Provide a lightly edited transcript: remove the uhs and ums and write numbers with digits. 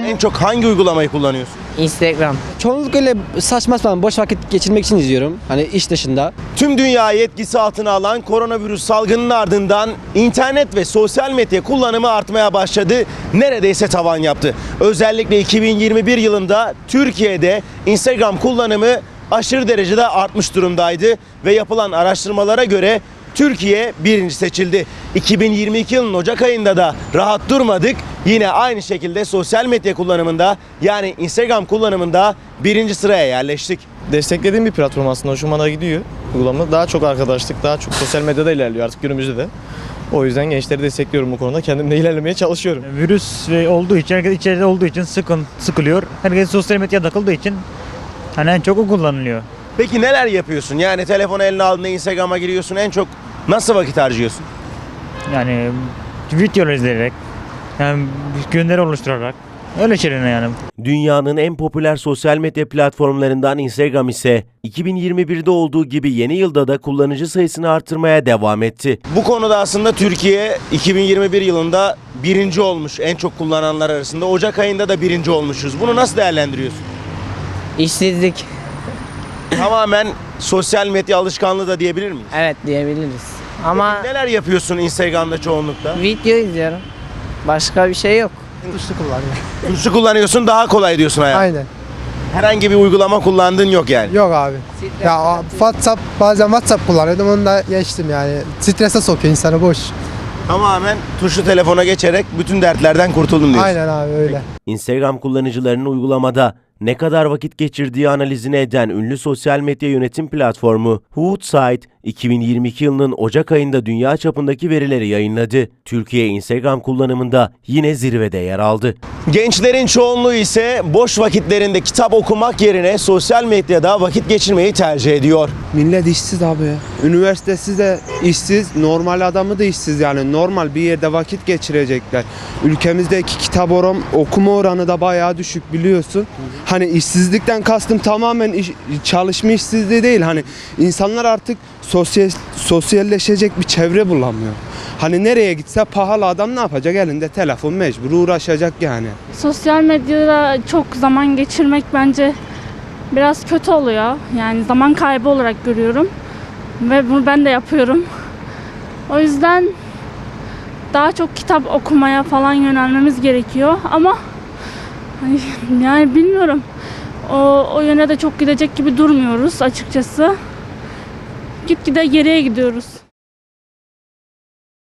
En çok hangi uygulamayı kullanıyorsun? Instagram. Çoğunlukla öyle saçma sapan boş vakit geçirmek için izliyorum. Hani iş dışında. Tüm dünyayı etkisi altına alan koronavirüs salgının ardından internet ve sosyal medya kullanımı artmaya başladı. Neredeyse tavan yaptı. Özellikle 2021 yılında Türkiye'de Instagram kullanımı aşırı derecede artmış durumdaydı ve yapılan araştırmalara göre Türkiye birinci seçildi. 2022 yılının Ocak ayında da rahat durmadık. Yine aynı şekilde sosyal medya kullanımında yani Instagram kullanımında birinci sıraya yerleştik. Desteklediğim bir platform aslında, hoşuma da gidiyor uygulama. Daha çok arkadaşlık, daha çok sosyal medyada ilerliyor artık günümüzde de. O yüzden gençleri destekliyorum bu konuda. Kendim de ilerlemeye çalışıyorum. Virüs olduğu için, herkes içeride olduğu için sıkılıyor. Herkes sosyal medyaya takıldığı için hani en çok o kullanılıyor. Peki neler yapıyorsun? Yani telefonu eline aldığında Instagram'a giriyorsun. En çok nasıl vakit harcıyorsun? Yani videolar izleyerek, yani gönderi oluşturarak öyle şeyler yani. Dünyanın en popüler sosyal medya platformlarından Instagram ise 2021'de olduğu gibi yeni yılda da kullanıcı sayısını artırmaya devam etti. Bu konuda aslında Türkiye 2021 yılında birinci olmuş en çok kullananlar arasında. Ocak ayında da birinci olmuşuz. Bunu nasıl değerlendiriyorsun? İşsizlik. Tamamen sosyal medya alışkanlığı da diyebilir miyiz? Evet diyebiliriz. Ama Neler yapıyorsun Instagram'da çoğunlukla? video izliyorum. Başka bir şey yok. Tuşlu kullanıyor. Tuşlu kullanıyorsun, daha kolay diyorsun hayat. Aynen. Herhangi bir uygulama kullandığın yok yani. Yok abi. Ya WhatsApp, bazen WhatsApp kullanıyordum, onu da geçtim yani. Strese sokuyor insanı, boş. Tamamen tuşlu telefona geçerek bütün dertlerden kurtuldum diyorsun. Aynen abi, öyle. Instagram kullanıcılarının uygulamada ne kadar vakit geçirdiği analizini eden ünlü sosyal medya yönetim platformu Hootsuite, 2022 yılının Ocak ayında dünya çapındaki verileri yayınladı. Türkiye Instagram kullanımında yine zirvede yer aldı. Gençlerin çoğunluğu ise boş vakitlerinde kitap okumak yerine sosyal medyada vakit geçirmeyi tercih ediyor. Millet işsiz abi ya. Üniversitesiz de işsiz, normal adamı da işsiz yani. Normal bir yerde vakit geçirecekler. Ülkemizdeki kitap okuma oranı da bayağı düşük biliyorsun. Hani işsizlikten kastım tamamen çalışma işsizliği değil. Hani insanlar artık sosyalleşecek bir çevre bulamıyor. Hani nereye gitse pahalı, adam ne yapacak? Elinde telefon, mecbur uğraşacak yani. Sosyal medyada çok zaman geçirmek bence biraz kötü oluyor. Yani zaman kaybı olarak görüyorum. Ve bunu ben de yapıyorum. O yüzden daha çok kitap okumaya falan yönelmemiz gerekiyor. Ama yani bilmiyorum. O yöne de çok gidecek gibi durmuyoruz açıkçası. Gitgide geriye gidiyoruz.